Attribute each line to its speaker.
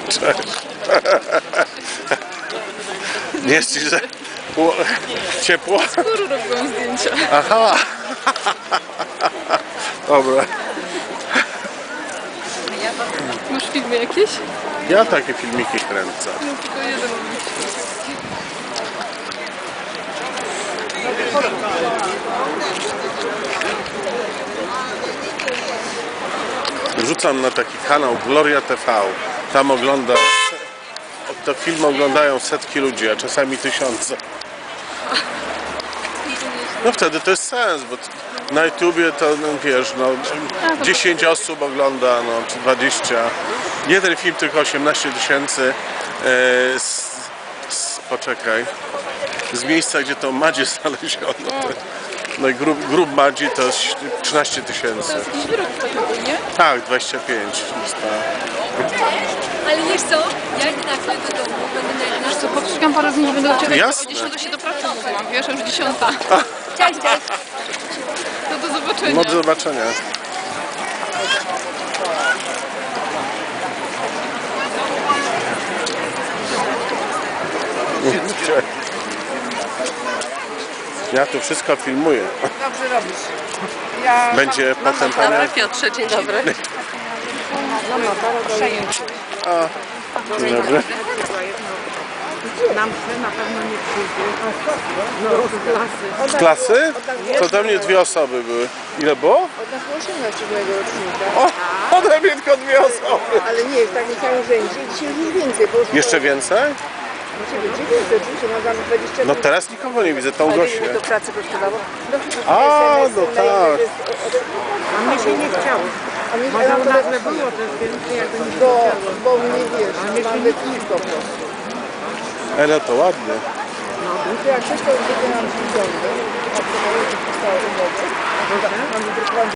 Speaker 1: Cześć. Nie jest ci, że ciepło?
Speaker 2: Skóru robiłam zdjęcia.
Speaker 1: Aha. Dobra.
Speaker 2: Masz filmy jakieś?
Speaker 1: Ja takie filmiki kręcę.
Speaker 2: No tylko jeden.
Speaker 1: Wrzucam na taki kanał Gloria TV. Tam te filmy oglądają setki ludzi, a czasami tysiące. No wtedy to jest sens, bo na YouTubie to no, wiesz, no 10 osób ogląda, no czy 20. Jeden film tylko 18 tysięcy. Poczekaj. Z miejsca, gdzie to Madzie znaleziono. No i grób Madzi to jest 13 tysięcy.
Speaker 2: To jest jakiś wyrok fajowy, nie?
Speaker 1: Tak, 25.
Speaker 3: Ale wiesz co? Jak nagle do domu będę na
Speaker 2: Wiesz co, poszukam parę dni, nie będę czekać,
Speaker 1: Jasne.
Speaker 2: bo o 10 się do pracy mówiłam, wiesz, już 10.
Speaker 3: Cześć, cześć.
Speaker 2: To do zobaczenia.
Speaker 1: No do zobaczenia. Ja tu wszystko filmuję.
Speaker 4: Dobrze robisz. Ja
Speaker 1: Będzie potem
Speaker 3: Dobra,
Speaker 1: pana...
Speaker 3: Piotrze, dzień dobry.
Speaker 1: Dzień dobry.
Speaker 4: nam się na pewno nie przyjdzie. No, z klasy.
Speaker 1: Z klasy? To do mnie 2 osoby były. Ile było?
Speaker 4: Od nas 18 mojego rocznika.
Speaker 1: O, ode mnie tylko 2 osoby.
Speaker 4: Ale nie, w takim samym rzędzie. Dzisiaj już więcej. Bo już
Speaker 1: Jeszcze więcej?
Speaker 4: Znaczy, będzie więcej, oczywiście. Mamy 20
Speaker 1: No teraz nikogo nie widzę, tą
Speaker 4: Ale
Speaker 1: Gosię.
Speaker 4: ile do pracy kosztowało?
Speaker 1: A, no tak.
Speaker 4: A mnie się nie chciało. A mnie
Speaker 5: Może u nas nie było też więcej, jakby nie
Speaker 4: bo mnie wiesz, mamy piw po prostu.
Speaker 1: Ale to ładnie.
Speaker 4: Jak coś to wykonam w ciągu, a to mają zostało umowy. Mam wydrukowane